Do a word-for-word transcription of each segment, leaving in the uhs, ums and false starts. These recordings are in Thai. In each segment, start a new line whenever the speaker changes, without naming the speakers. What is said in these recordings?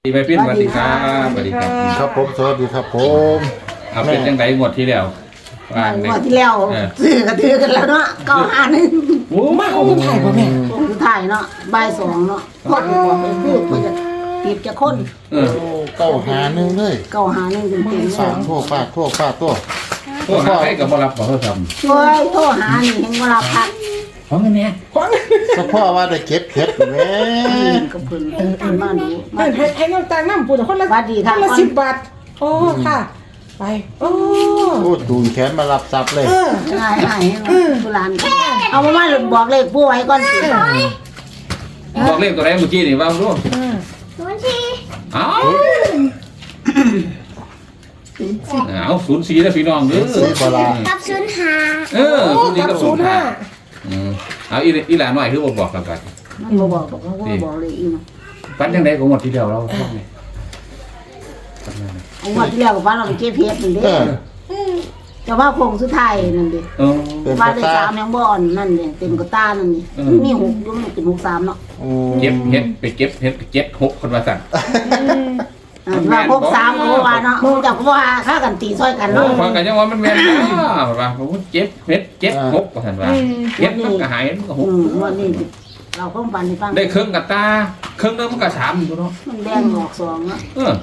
ดีไปปิ้นสวัสดีครับสวัสดีครับ
ครับผมสวัสดีครับผม
เอาเป็นยังไงหมดที่แล้ว
ว่าหมดที่แล้วซื้อกระถือกันแล้วเนาะเก้าห้าหนึ่ง
โอ้มา
เขาคือถ่ายป่ะแม่
คือถ่ายเนาะบ่ายสองเนาะพอดบอกไปพูดมันจะตีบจะค้น
เออ
เก้าหาหนึ่งเลย
เก้าห้าหนึ่งจริงๆ
สามทั่วฟาดทั่วฟาดตัว
โอ้หาใครกับบรับขอโทษครับ
ช่วยโทรหานี่เห็นเวลาพัก
ของเงินเนี่ย
เฉพาะว่าได้เก็บเห็ดแม่
กับเพิ่นอันมาดูมา
ให้ให้น้ำตาลน้ำปูแต่คนละ
สวัสดีค่ะ
คนละสิบบาทโอ้ค่ะ ไปโอ้
โอ้จูงแขนมารับทรัพย์เลย
เออ
ง่ายง่ายโบราณเอามามาบอกเลขผู้ไว้ก่อนสิ
บอกเลขตัวไหนเมื่อกี้นี่ว่ารู้
เออ
ศูนย์สี่
เอ้าเอาศูนย์สี่แล้วพี่น้องเด้อ
สีบลา
กับศูนย์ห้า
เออศูนย์สี่
กั
กั
บบ ศู
ศู
น
น
ย์
ย์
ห้า
ห้าอืมเอาอีอีหลานหน่อยคือบอกบอกกันกัน
มันบ่บอกบอกว่าบอกเลยอีก
ฟันยังไงของหมดที่เดียวเราชอบไง
ไอ้งวดที่แล้วก็ว่าเราไปเก็บเพชรนี่เด้
เออ
แต่ว่าโคงสุดท้ายนั่นเด้
เออ
เป็น
ว่า
ตา
ได้
ตา
สามยังบ่อ่อนนั่นเด้เต็มกระต้านั่นนี่
เออ
มีหกอยุ่งเป็นหกสามเนาะ
โอ้
เก็บเห็ดไปเก็บเห็ดเจ็ดหกคนมาสั่น
อ่าว่าหกสามก็ว่าเนาะมึงจักก็ว่าค่ากันตีซอยกัน
โอ้
เนาะ
ฟังกันยังว่ามันแม่นนะว่าผมเจ็บเห็ดเจ็ดหกว่าสั่นว่าเห็ดมันก็หายมันก็ห
อื
ก
มวันนี้เราก็ฟันให้ฟัง
ได้เครื่องกับตาเครื่องนึงมันก็สามอยู่เนาะ
มันแดงออกสองเนาะ
เออ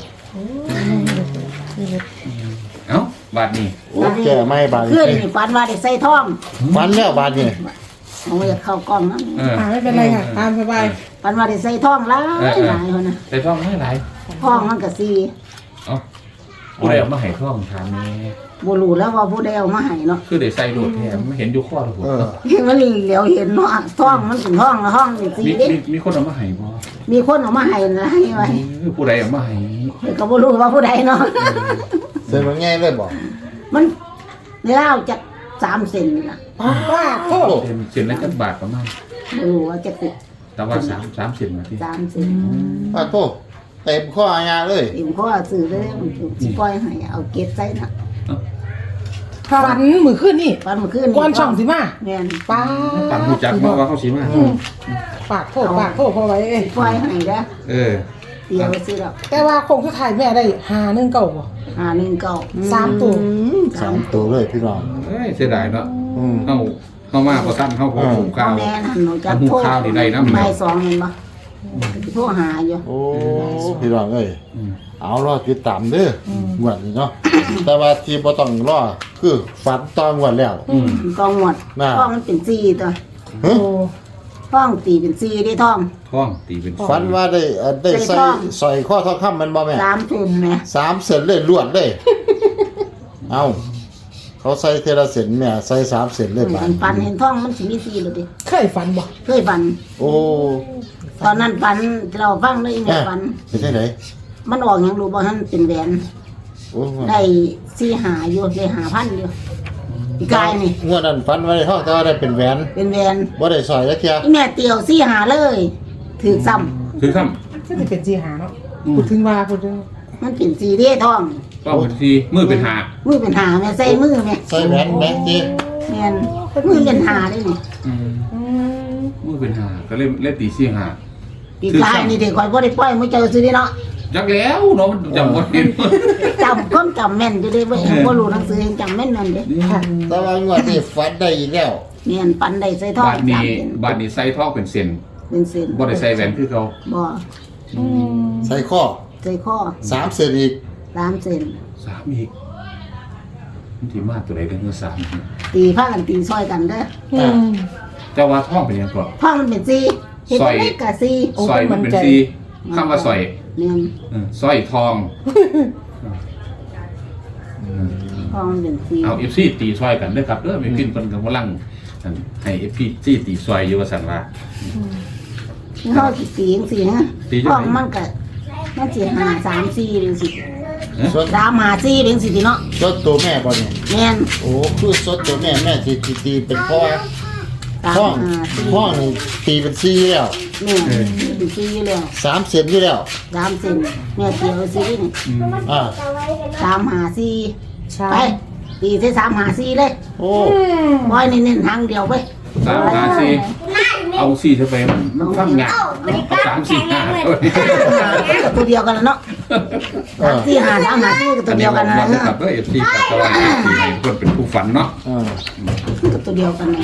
เอ้าบาทนี้
โอ้แก่ไม่บาน
ขึ้นนี่ฟันว่าได้ใส่ท่อง
ฟันแล้วบานนี่
เอาไว้เข้ากล้องนะ
เออ
อ่าไม่เป็นไรค่ะตามสบาย
ฟันว่าได้ใส่ท่องหลายหลายคนนะ
ใส่ท่องไม่หลาย
ท่องมันก็สี่
เอ้าผู้ใดเอามาให้ท่องทานนี่
บ่รู้แล้วว่าผู้ใดเอามาให้เนาะ
คือได้ใส่โดดแถมไม่เห็นอยู่ข้อทุกคน
เออ
มันเหลียวเห็นเนาะท่องมันเป็นท่องละห้องนี่สี่
มี
เด้
มีมีคนเอามาให้บ่
มีคนเอามาให้นะให้ไว้
เออผู้ใดเอามาให้
ก็บ่รู้ว่าผู้ใดเนาะ
เส้นมันง่ายเลยบอก
มันในเล่าวจักสามเซนนี่ล่ะ
ว่าโทษ
เส้นเส้นละจักบาทประมาณ
บ่รู้ว่าจักสิ
แต่ว่าสามสามเส้นมาที่
สามเซน
ป้าโตเต็มข้ออาญาเลย
เอ็มก็ซื้อได้มันสิปล่อยให้เอาเก็บใส่น่ะ
ฝันมือขึ้นนี่
ฟันเมื่อคืน
ก้อนช่องสิมา
แม่น
ป้า
ปังหูจักมาว่าเขาสีมา
ปากโทษปากโทษพอไว้เอ้ย
ปล่อยให้เด้อ
เออ
เดี๋ยวซื้อดอก
แต่ว่าคงสุดท้ายแม่ได้หาหนึ่งเก่าบ่
ห้าหนึ่งเก้า
สามตัว
สามตัวเลยพี่น้อง
เอ้ยเสียดายเนาะ
อืม
เข้าเข้ามาพอตั้งเข้าพอหุง
พ่อ
ข้าว
แม่หันหนูจะ
หุง
โทร
ข้าวที่ใดน้ำเหนี
บ่า
ยว
ยสองเห็นบ่โทรหาอยู่
โอ้พี่น้องเอ้ย
อืม
เอารอติดตามเด้อหวดนี่เนาะแต่ว่าที่บ่ต้องรอคือฝันตอนหวดแล้ว
อืม
กองหมด
น่ะ
ท้องมันเป็นสี่ตัว
ฮะ
โอ้
ท้องตีเป็นสี่ได้ท้อง
ท้องตีเป็น
ฝันว่าได้เอ่อได้
ใส่
ใส่
ทอง
ใส่ข้อทองคำมันบ่แม่
สามเซนแหม
สามเส้นเลยลวดเลย เอาเขาใส่เทละเส้นแม่ใส่สามเส้นเลยบา
มั
ด
นฟันเห็นท้องมันสิมีสี่เลยดิ
เคยฝันบ่
เคยฟัน
โอ้
ตอนนั้นฟันเราฟังได้แม่
แม่
ฟัน
เป็นจังได
มันออกหยังรู้บ่ทันเป็นแหวน
โอ้
ได้สี่หาอยู่ได้หาพันอยู่อีกายนี่
งวดนั้นฝันว่าได้ทองแต่ว่าได้เป็นแหวน
เป็นแหวน
บ่ได้สร้อยจักเที่ย
อีแม่เตียวสี่หาเลยถือซ้ำ
คือข้าม
ก็จะเป็นจีหาเนาะพูดถึงว่าพูดถึง
มันเป็นสีเด้ท้อง
ต้องเป็นทีมือเป็นหา
มือเป็นหาแม่ใส่มือแม่
ใส่แหวนแบงค์จี
แม่นมือเป็นหาได้นี่
อืม
อืม
มือเป็นหาก็เล่นเล่นตีสี่หา
อีกายนี่เด็กคอยบ่ได้ปล่อยมื้อเจอซื้อนี่เนาะ
จักแล้วเนาะมันจำบ่ได้
จำก้นจำแม่นอยู่เด้บ่บ่รู้หนังสือยังจำแม่นนั่นเด้
ค่ะ
แต่ว่างวดนี้ฝันได้อีกแล้ว
แม่นปันได้ใส่ท้อง
บาทนี้
สามเส้น
บาทนี้ใส่ท้องเป็นเส้น
เป็นเส้น
บ่ได้ใส่แหวนคือเขา
บ่
อืม
ใส่ข้อ
ใส่ข้อ
สามเส้นอีก
สามเส้น
สามอีกมันที่มาตัวใดกันเมื่อสาม
ตีผ้ากันตีซอยกันเด้อ
อืม
เจ้าว่าท้องเป็นยังก่อน
ท้องมันเป็นสี่เฮ็ด
ซอย
ได้ก็สี่
โอ้
ซอย
เป็น
มัน
มัน
เป็น
ใจ
สีคำว่าซอย
แม่น
เออซอยทอง
ท้องมันเป็นสี่
เอาเอฟซีตีซอยกันเด้อครับเด้อไม่ขึ้นเพิ่นกำลังอั่นให้เอฟซีตีซอยอยู่ว่าซั่นว่า
เฮาสิตีจังซี่ฮะ
ตีจัง
ท้
ไหน
องมันก็มันสิหาสามสี่จังซี่
ส่วน
สามหาสี่จังซี่ติเนาะ
ส่วนตัวแม่บ่เนี่ย
แม่น
โอ้คือส่วนตัวแม่แม่สิสิตีเป็นเพราะว่า
สาม
ห้อง
หาสี่
ห้องนี่ตีเป็นสี่แล้ว
แม่นเป็นสี่อยู่แล้ว
สามเส้นอยู่แล้ว
สามเส้นแม่เตียวสี่นี่
อ่า
สามหาสี่
ใช่
ไปตีใส่สามหาสี่เลย
โอ้
บอยนี่เน้นทางเดียวไป
สามห้าสี่
นั่นแม่
เอาสี่เท่าไปมันฟังงานเอาสามสี่ห้า
ก็ตัวเดียวกันแล้วเนาะ
เออ
สี่ห้าสามห้าสี่ก็ตั
อั
วน เดี
นี้
ยว
บ
กั
อน ก
นะ
ว่ากับเอฟซีกับตะวันสี่ให้เพื่อนเป็นผู้ฝันเนาะ
เออ
ก็ตัวเดียวกันนะ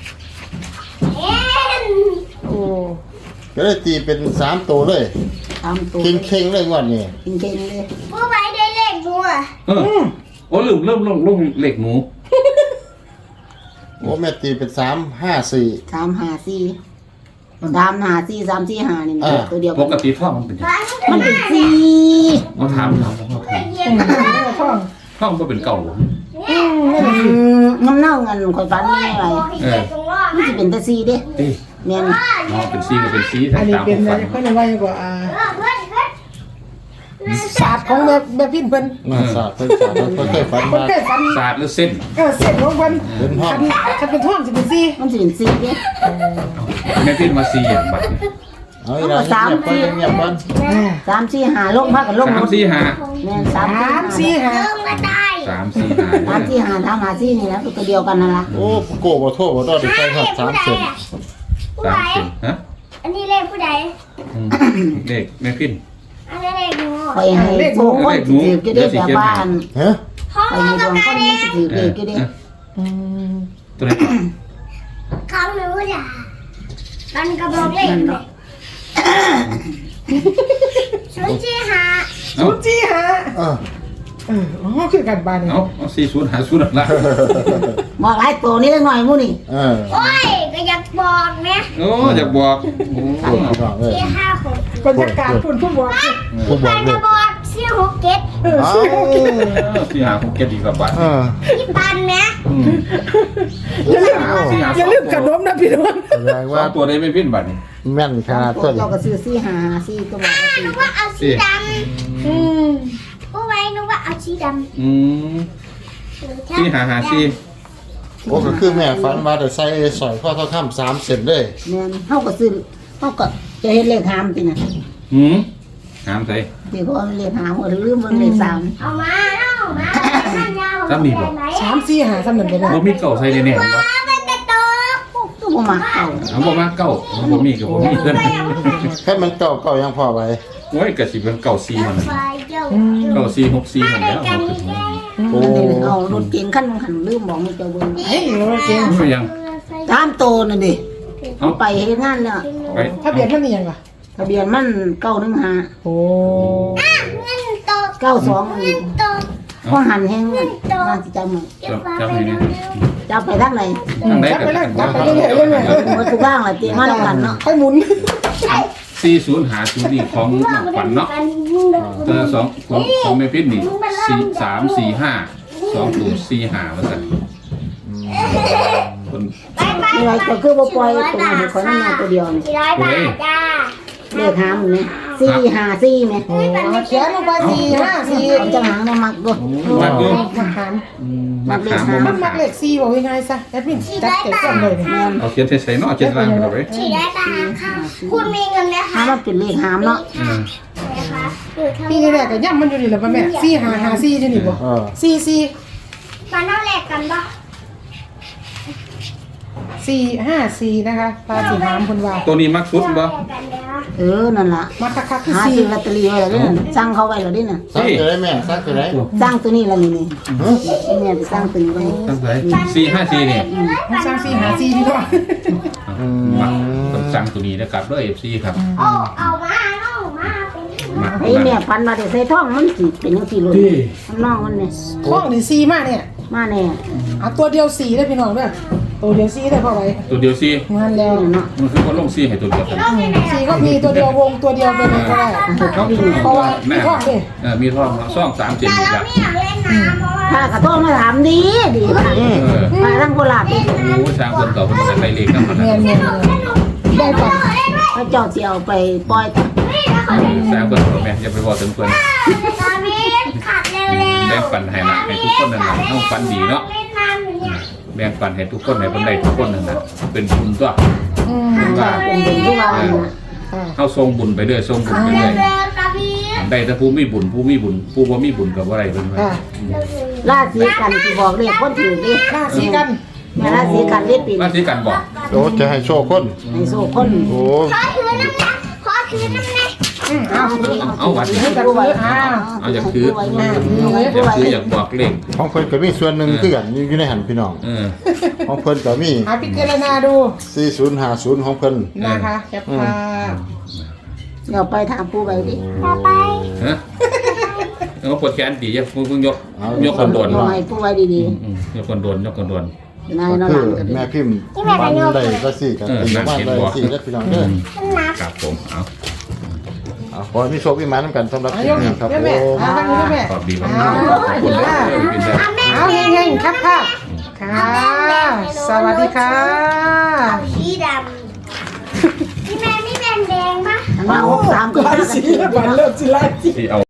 โอ้
ก็เลยตีเป็นสามตัวเลย
ตามตัว
เข่งเข่งๆเลยงวันนี้
เก่งๆเลย
ผู้ไว้ได้เลขบัว
เออโอ้ลืมเริ่มลงลงเหล็กหนู
โอ้แม่ตีเป็นสามห้าสี่
สามห้าสี่สามห้าสี่สามสี่ห้านี่นะ
อ่า
ตัวเดียว
ป
กัน
กติท่องมันเป็นยังไง
มันเป็นสี่
เขาถามเราเขาถาม
อืมท่อง
ท่องก็เป็นเก่า
อืมนั่น
อื
น่ะสิ
มน้ำเน่าเงินข่อยฟันไม่อะไร
เออ
มันจะเป็นแต่สี่เด้
เอ้ย
แม่น
อ๋อเป็นซีก็เป็นซี
อันนี้
ตาม
เป็น
ผู้
อะไร
ฝัน
เพิ่นว่าอย่างกว่าอ่า
เพื่อนเพื่อน
ศาสตร์ของแม่แม่พินเพิ่น
มาสาดเพิ่นสาดเพิ่นเคยฝัน
เพิ่น
มา
เคยฝัน
ศาสตร์หรือเส้น
เออเส้นของเพิ่น
เป็นห้อง
คันคันเป็นท่องสิเป็นสี่
มันจะเป็นสี่เด้
แม่พินมาซีอย่างบัดนี้
เอาอีกแล้วเงียบๆเงียบๆก่อน
อ่า
สามสี่ห้าลงพักกับลง
สามสี่ห้า
แม่นสาม
สาม
สี่
สี่
ห้า
ห้า
เริ่มมาได้
สามสี่ห้า
สามสี่ห้าสามห้าสี่นี่แหละตัวเดียวกันนั่นล่ะ
โอ้โกบ่โทษบ่ดอได้ใส่ครับสามเซน
ผู้
สาม
ใด
เส้นฮะ
อันนี้เลขผู้ใด
อืมเด็กแม่พิน
อันนี้เลขหนู
ไปให้โชคคนสิถือก็ได้แบบว่าอัน
ฮะ
ห้อง
ไป
หนู
ให้ด
ก็
วง
ก
ค
ระ
น
เด็
นี้
น
สิถือเลขก็ได้
อืม
ตัวไหนก่อน
ของหนูจ้ะมันกระบอกเลขศูนย์สี่ห้า
เอา
ศูนย์สี่ห้า
เออ
เอออ๋อคือกันบ้านนี่
เอาเอาสี่ศูนย์หาศูนย์ละ
บอกหลายตัวนี้หน่อยมู่นี่
เออ
โอ้ยก็อยากบอกนะ
โอ้อยากบอกโอ้
ปวดพี่น้องเอ้ย
สี่ห้าหก
บรรยากาศฝุ่นผู้บอกสิ
ผู้บ
ไป
อกเล
กระ
ย
บอกสี่หกเจ็ด
เออ
เอ้า
สี่หกเจ็ด
สี่หาคงเก็ตดีกว่าบัตร
เออ
ที่ปันนะ
อืม
อย่าลืม
สี่หา
อย่าลืมขนมนะพี่น้อง
แสดง
ว่า
ว่า
ตัวได้ไม่พินบัตรนี่
แม่นขนาด
ตั
ตัว ว
เจ้าก็ซื้อสี่ห้าห้าสี่ก็บอกว่าสี่
นึกว่าเอาสีด
อืม
ำผู้ไว้นึกว่าเอาสีดำ
อืมสี่หาหาสี่
โอ้ก็คือแม่ฝันว่าได้ใส่สร้อยข้อเท่าค่ำสามเซนเลย
แม่นเฮาก็ซื้อเฮาก็จะเฮ็ดเลขหามติน่ะ
หืมหามใส่
ที่เขาเอาเลขหามก็ลืมเบิ่งเลขสาม
เอามาเอามาท่านยาว
สามสี่ห้าสำนันไปเลย
บ่มีเก่าใส่แน่ๆบ่
เป็นตะโตก
ตัวบ่มาเข้า
เอาบ่มาเก่าเอาบ่มีก็บ่มีเพิ่น
แค่มันเก่าเก่ายังพอไว้
โอ้ยก็สิเป็นเก่าสี่มันน่ะ
ไฟเจ้า
เก่าสี่หกสี่มัน
ได้
แล้ว
กัน
เอา
นี่
ขึ้น
แก
มา
โอ้
อันนี้เอารถเก๋งคันนึงคันลืมบอกมันเจ้าเบิ่ง
เฮ้ยเราเก่ง
ไม่ยัง
ตามโตนั่นดิ
เอา
ไปเฮ็ดงานแล้ว
ไป
ทะเบียนมันนี่ยังล่ะ
ทะเบียนมันเก้าหนึ่งห้า
โอ้
เงินโต
เก้าสอง
เงินโต
ก็หันแห้งน่าสิจำมัน
เก็บไว้เร็ว
จะไปทางไหน
ทางไหน
จับ
ก็
ไปเล
ได้
ยจับไปเรื่อยๆเรื่อย
หมดทุกบ้างล่ะติมาแล้วกันเนาะ
ๆค่อยหมุน
สี่ศูนย์หาศูนย์นี่ของน้องขวัญเนาะเออสองของของแม่พินนี่สี่สามสี่ห้าสองศูนย์สี่ห้าว่าซั่นคน
ไปไป
นี่ไว้ก็คือบ่ปล่อยตัวนี้ขอยนั่นมาตัวเดียวนี่
สี่ร้อยบาทจ้า
เลขหามนี่สี่ห้าสี่แม่
โอ้เขียนลงไปสี่ห้าสี่
เอาจังหางมามักดู
มากอยู่
มาหาม
อืมมาถามบ่
มั
มาน
มั
ถาก ม
เลขสี่บอกยังไงซะแอดมินจัดเก็บก่อนเลยเนี่ย
เอาเขียนใส่ๆเนาะเขียนล่างไปเลย
สี่ร้อยบาทค่ะคุณมีเงินไหม
หา
คะ
มันเป็นเลขหามเนาะ
อืม
นะคะอยู่ทาง
พี่นี่แหละก็ย่ำมันอยู่นี่แหละป่ะแม่สี่ห้าห้าสี่อยู่นี่บ่
เออ
สี่สี่
มาเท่าแรกกันปะ
สี่ห้าสี่นะคะตาสีหามคนว่า
ตัวนี้มักสุดบ่
กันแล้ว
เออนั่นล่ะ
มาคักคักๆคือ
หา
สี่
ซื้อลอตเตอรี่ไว้แล้วนี่สั่งเขาไว้แล้วนี่น่ะ
ซักจะได้แม่ซักจะได้
สร้างตัวนี้แล้วนี่นี่
ฮะ
นี่แม่ไปสร้างตัวนี้ไว้
ตั้งใจสี่ห้าสี่นี่
มันสร้างสี่หาสี่พี่น้อง
มักต้องสั่งตัวนี้นะครับด้วย เอฟ ซี ครับ
โอ้เอามาเอามาเป็น
มัก
ไอ้แม่พันมาได้ใส่ท้องมันสิเป็นจังซี่เลยมันน้องมันนี่
ข้องนี่สี่มากเนี่ย
มาแน่
เอาตัวเดียวสี่ได้พี่น้องเด้อตัวเดียวสี่ได้พอไว้
ตัวเดียวซี
งานแล้ว
เนาะ
มันคือว่าลงซีให้ตัวเดียวกัน
สี่ก็มีตัวเดียววงตัวเดียวเป็นก็ได้
เขาวิ่ง
เพราะว่าพี่ข้องดิ
เออมีท่องซ่องสามเจ็ด
แต่
อีก
เรา
แล้ว
ไม่อยากเล่นน้ำเพราะว่า
ถ้ากระโทษมาถามดีดีค่ะ
เออ
มาทางโคราชดิ
โอ้ช้างคนต่อคนจะไปเลขกันมัน
เมียนเมียนได้ปัน
พระเจ้าสิเอาไปปล่อยต่อ
ช้างคนต่อแม่อย่าไปบอกถึงคน
ตอนนี้ขัดเร็ว
แบ่งปันให้ละให้ทุกคนนั่นแหละต้องฟันดีเนาะ
เล่นน้ำอยู่เนี่ย
แบ่งปันให้ทุกคนให้คนใดทุกคนนั่นแหละเป็นบุญตัว
อืม
เป็นว่า
เป็นบุญที่ว่านี่นะ
ค่ะ
เข้าทรงบุญไปเรื่อยทรงบุญไป
เร็
เรื่
ว
อย
เร็วตาพี่
ได้แต่ผู้มีบุญผู้มีบุญผู้บ่มีบุญกับอะไรเป็นไป
ค่ะ
ราศีกันสิบอกเลขคนถือดิ
หน้าสีกัน
แม่ราศีกันเรียกปี
ราศีกันบอก
โอ้จะให้โชคคน
ในโซ่คน
โอ้
ขอถือน้ำนะขอถือน้ำนะ
เอา
เอาวัดนี่
ให้กันเลยอ้าว
เอาอยากถืออยากถืออยากบอกเลข
ของเพิ่นก็มีส่วนหนึ่งคือกันอยู่ในหันพี่น้อง
เออ
ของเพิ่นก็มี
หาพิจารณาดู
สี่ศูนย์ห้าศูนย์ของเพิ่น
นะคะแคปภาพ
เดี๋ยวไปถามผู้ไปดิ
ต่อไป
ฮะเอาปวดแขนดีอย่าเพิ่งยกยกคนโดน
ผู้ไปผู้ไปดี
อืมยกคนโดนยกคนโดน
ๆนาย
ก็
นอน
คื
หลั
อง
กัน
แม่พิมพ์บ้านใดก็สี่กันตีบ้านใดสี่แล้วพี่น้องเด้อ
ครับผมเอา
เอาขอให้มีโชคมีหมานำกันสำหรับ
อา
คลิ
ย
ป
ก
นี้ครับ
เด้อ
ผ
แม่
ม
เอาทางนี้ด้วยแม่
ขอบดีมากขอบคุณเลยเป็นได้
เอาเฮงๆครับภาพค่ะ สวัสดีค่ะ
เอาสีดำพี่แม่ไม่แดงแดงปะ
อันว่าหกสามก็
ลายสีบันเลิศสิลายสี
ที่เอา